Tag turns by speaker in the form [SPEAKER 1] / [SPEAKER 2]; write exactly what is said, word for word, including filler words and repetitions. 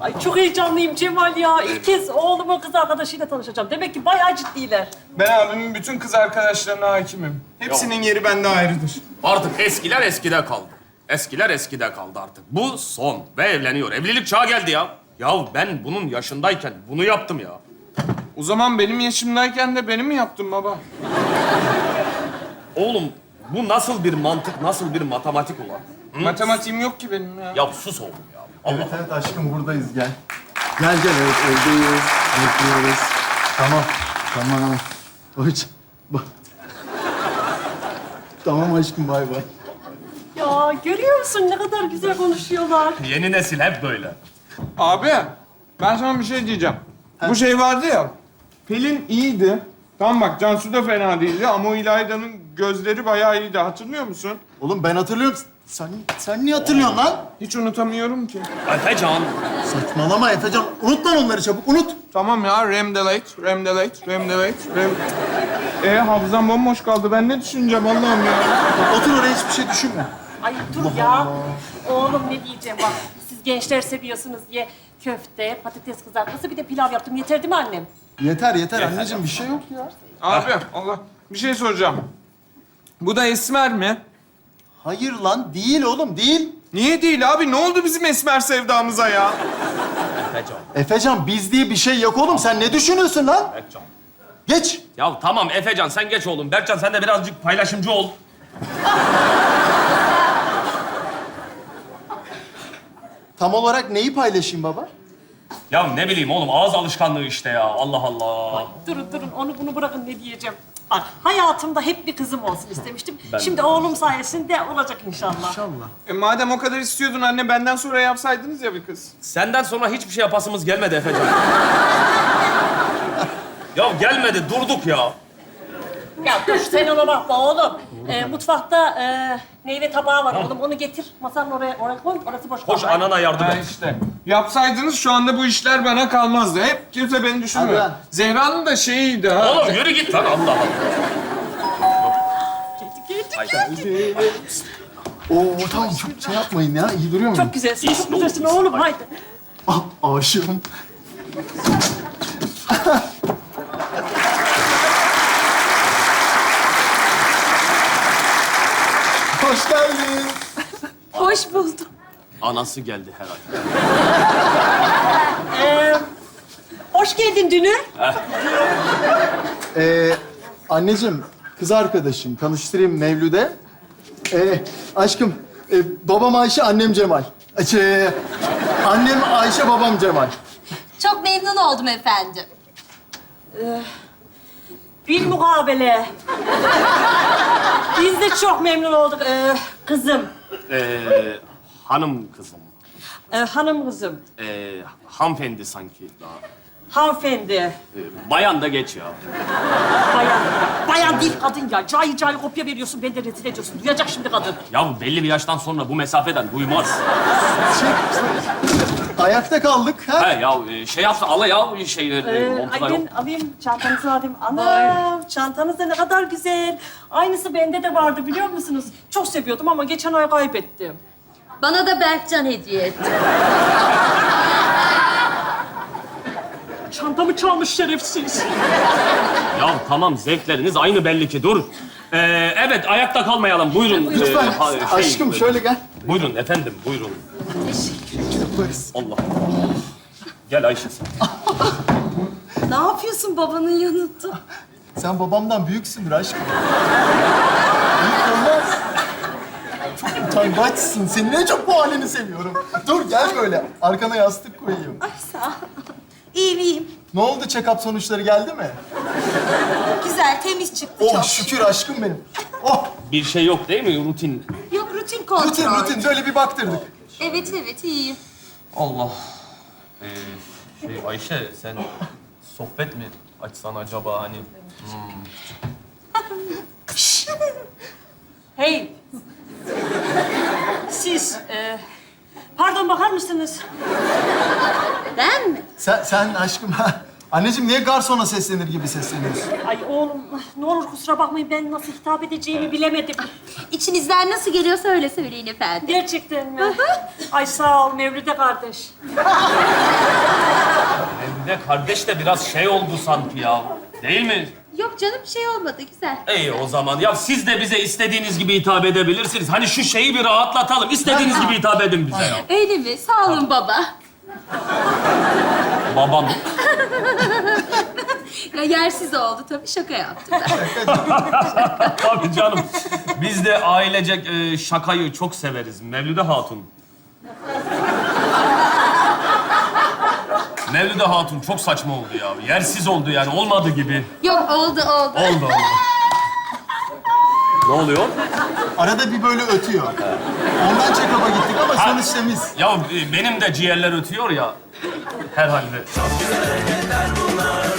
[SPEAKER 1] Ay çok heyecanlıyım Cemal ya. İlk kez oğlumun kız arkadaşıyla tanışacağım. Demek ki bayağı ciddiler.
[SPEAKER 2] Ben abimin bütün kız arkadaşlarına hakimim. Hepsinin yeri bende ayrıdır.
[SPEAKER 3] Artık eskiler eskide kaldı. Eskiler eskide kaldı artık. Bu son ve evleniyor. Evlilik çağı geldi ya. Ya ben bunun yaşındayken bunu yaptım ya.
[SPEAKER 2] O zaman benim yaşımdayken de benim mi yaptın baba?
[SPEAKER 3] Oğlum bu nasıl bir mantık, nasıl bir matematik olan? Hı?
[SPEAKER 2] Matematiğim yok ki benim ya.
[SPEAKER 3] Ya sus oğlum ya. Allah.
[SPEAKER 4] Evet evet aşkım buradayız gel. Gel gel evet evdeyiz. Bekliyoruz. Tamam. Tamam. Hoş. Bak. Tamam aşkım bay bay.
[SPEAKER 1] Ya görüyor musun ne kadar güzel konuşuyorlar.
[SPEAKER 3] Yeni nesil hep böyle.
[SPEAKER 2] Abi, ben sana bir şey diyeceğim. Bu şey vardı ya, Pelin iyiydi. Tamam bak, Cansu da fena değildi ama o İlayda'nın gözleri bayağı iyiydi. Hatırlıyor musun?
[SPEAKER 4] Oğlum ben hatırlıyorum. Sen, sen niye hatırlıyorsun lan?
[SPEAKER 2] Hiç unutamıyorum ki.
[SPEAKER 3] Efecan.
[SPEAKER 4] Saçmalama Efecan. Unut lan onları çabuk unut.
[SPEAKER 2] Tamam ya, Remdelate, Remdelate, Remdelate, Rem... E hafızam bomboş kaldı. Ben ne düşüneceğim Allah'ım ya?
[SPEAKER 4] Otur oraya hiçbir şey düşünme.
[SPEAKER 1] Ay dur ya. Oğlum ne diyeceğim bak. Siz gençler seviyorsunuz diye köfte, patates kızartması bir de pilav yaptım. Yeter değil mi annem?
[SPEAKER 4] Yeter yeter anneciğim bir şey yok ya.
[SPEAKER 2] Abi, Allah, bir şey soracağım. Bu da esmer mi?
[SPEAKER 4] Hayır lan değil oğlum değil.
[SPEAKER 2] Niye değil abi? Ne oldu bizim esmer sevdamıza ya?
[SPEAKER 3] Efecan.
[SPEAKER 4] Efecan biz diye bir şey yok oğlum. Sen ne düşünüyorsun lan?
[SPEAKER 3] Efecan.
[SPEAKER 4] Geç.
[SPEAKER 3] Ya tamam Efecan sen geç oğlum. Berkcan sen de birazcık paylaşımcı ol.
[SPEAKER 4] Tam olarak neyi paylaşayım baba?
[SPEAKER 3] Ya ne bileyim oğlum ağız alışkanlığı işte ya. Allah Allah.
[SPEAKER 1] Durun durun onu bunu bırakın ne diyeceğim. Bak hayatımda hep bir kızım olsun istemiştim.
[SPEAKER 3] Ben-
[SPEAKER 1] Şimdi oğlum sayesinde olacak inşallah.
[SPEAKER 4] İnşallah.
[SPEAKER 2] E madem o kadar istiyordun anne, benden sonra yapsaydınız ya bir kız.
[SPEAKER 3] Senden sonra hiçbir şey yapasımız gelmedi Efecan. Ya gelmedi durduk ya.
[SPEAKER 1] Ya dur sen ona bakma oğlum. Ee, mutfakta e, meyve tabağı var oğlum. Onu getir. Masanın oraya, oraya koy. Orası boş
[SPEAKER 3] Koş
[SPEAKER 1] kalma.
[SPEAKER 3] anana yardım
[SPEAKER 2] Ha
[SPEAKER 3] et.
[SPEAKER 2] işte. Yapsaydınız şu anda bu işler bana kalmazdı. Hep kimse beni düşünmüyor.
[SPEAKER 4] Hadi lan.
[SPEAKER 2] Zehra'nın da şeyiydi ha.
[SPEAKER 3] Oğlum yürü git lan Allah Allah.
[SPEAKER 4] Oo tamam çok şey yapmayın ya. İyi duruyor muyum?
[SPEAKER 1] Çok güzelsin,
[SPEAKER 3] İyisin
[SPEAKER 1] çok güzelsin
[SPEAKER 3] oğlum,
[SPEAKER 1] oğlum.
[SPEAKER 3] iyisin.
[SPEAKER 1] Haydi.
[SPEAKER 4] Ah, aşığım. Hoş geldin.
[SPEAKER 1] Hoş buldum.
[SPEAKER 3] Anası geldi herhalde.
[SPEAKER 1] Ee, hoş geldin Dünür.
[SPEAKER 4] Ee, anneciğim, kız arkadaşım. Tanıştırayım Mevlüt'e. Ee, aşkım, e, babam Ayşe, annem Cemal. Şey, annem Ayşe, babam Cemal.
[SPEAKER 5] Çok memnun oldum efendim.
[SPEAKER 1] Bir mukabele. Biz de çok memnun olduk ee, kızım.
[SPEAKER 3] Ee, hanım kızım.
[SPEAKER 1] Ee, hanım kızım.
[SPEAKER 3] Ee, hanımefendi sanki daha.
[SPEAKER 1] Hanımefendi.
[SPEAKER 3] Ee, bayan da geç ya.
[SPEAKER 1] Bayan. Bayan değil kadın ya. Cahil cahil kopya veriyorsun. Beni de rezil ediyorsun. Duyacak şimdi kadın.
[SPEAKER 3] Ya belli bir yaştan sonra bu mesafeden duymaz.
[SPEAKER 4] Şey, ayakta kaldık. Ha?
[SPEAKER 3] He ya e, şey yapsa ala ya şeyleri
[SPEAKER 1] Ee,
[SPEAKER 3] montuna
[SPEAKER 1] ay
[SPEAKER 3] yok.
[SPEAKER 1] ben alayım çantanızı alayım. Anam çantanız da ne kadar güzel. Aynısı bende de vardı biliyor musunuz? Çok seviyordum ama geçen ay kaybettim.
[SPEAKER 5] Bana da Berkcan hediye etti.
[SPEAKER 1] Çantamı çalmış şerefsiz.
[SPEAKER 3] Ya tamam zevkleriniz aynı belli ki dur. Ee, evet ayakta kalmayalım buyurun.
[SPEAKER 4] Lütfen.
[SPEAKER 3] Ee, ha- şey,
[SPEAKER 4] Aşkım şöyle gel.
[SPEAKER 3] Buyurun efendim buyurun.
[SPEAKER 4] Yaparız.
[SPEAKER 3] Allah. Gel Ayşe sen.
[SPEAKER 5] Ne yapıyorsun babanın yanında?
[SPEAKER 4] Sen babamdan büyüksündür aşkım. Büyük olmaz. Çok utangaçsın. Senin en çok bu halini seviyorum. Dur gel böyle. Arkana yastık koyayım.
[SPEAKER 5] Ay sağ ol. İyiyim iyiyim.
[SPEAKER 4] Ne oldu? Check-up sonuçları geldi mi?
[SPEAKER 5] Güzel temiz çıktı
[SPEAKER 4] Oh
[SPEAKER 5] çok.
[SPEAKER 4] şükür aşkım benim. Oh
[SPEAKER 3] Bir şey yok değil mi rutin?
[SPEAKER 5] Yok rutin kontrol.
[SPEAKER 4] rutin rutin. Böyle bir baktırdık.
[SPEAKER 5] Evet evet iyiyim.
[SPEAKER 3] Allah. Ee, şey Ayşe sen sohbet mi açsan acaba hani?
[SPEAKER 1] Hey. Siz, e, pardon bakar mısınız?
[SPEAKER 5] Ben mi?
[SPEAKER 4] Sen, sen aşkım Anneciğim niye garsona seslenir gibi sesleniyorsun?
[SPEAKER 1] Ay oğlum ne olur kusura bakmayın ben nasıl hitap edeceğimi bilemedim.
[SPEAKER 5] İçinizden nasıl geliyorsa öyle söyleyin efendim.
[SPEAKER 1] Gerçekten mi? Ay sağ ol Mevlüde kardeş.
[SPEAKER 3] Evde kardeş de biraz şey oldu sanki ya. Değil mi?
[SPEAKER 5] Yok canım bir şey olmadı güzel.
[SPEAKER 3] İyi o zaman. Ya siz de bize istediğiniz gibi hitap edebilirsiniz. Hani şu şeyi bir rahatlatalım. İstediğiniz gibi hitap edin bize ya.
[SPEAKER 5] Öyle mi? Sağ olun baba.
[SPEAKER 3] Babam.
[SPEAKER 5] Ya yersiz oldu tabii şaka yaptım ben.
[SPEAKER 3] Tabii canım. Biz de ailecek e, şakayı çok severiz. Mevlüde Hatun. Mevlüde Hatun çok saçma oldu ya. Yersiz oldu yani. Olmadı gibi.
[SPEAKER 5] Yok oldu oldu.
[SPEAKER 3] Oldu oldu. Ne oluyor?
[SPEAKER 4] Arada bir böyle ötüyor. Ondan check-up'a gittik ama sonuç temiz.
[SPEAKER 3] Ya e, benim de ciğerler ötüyor ya. Herhalde.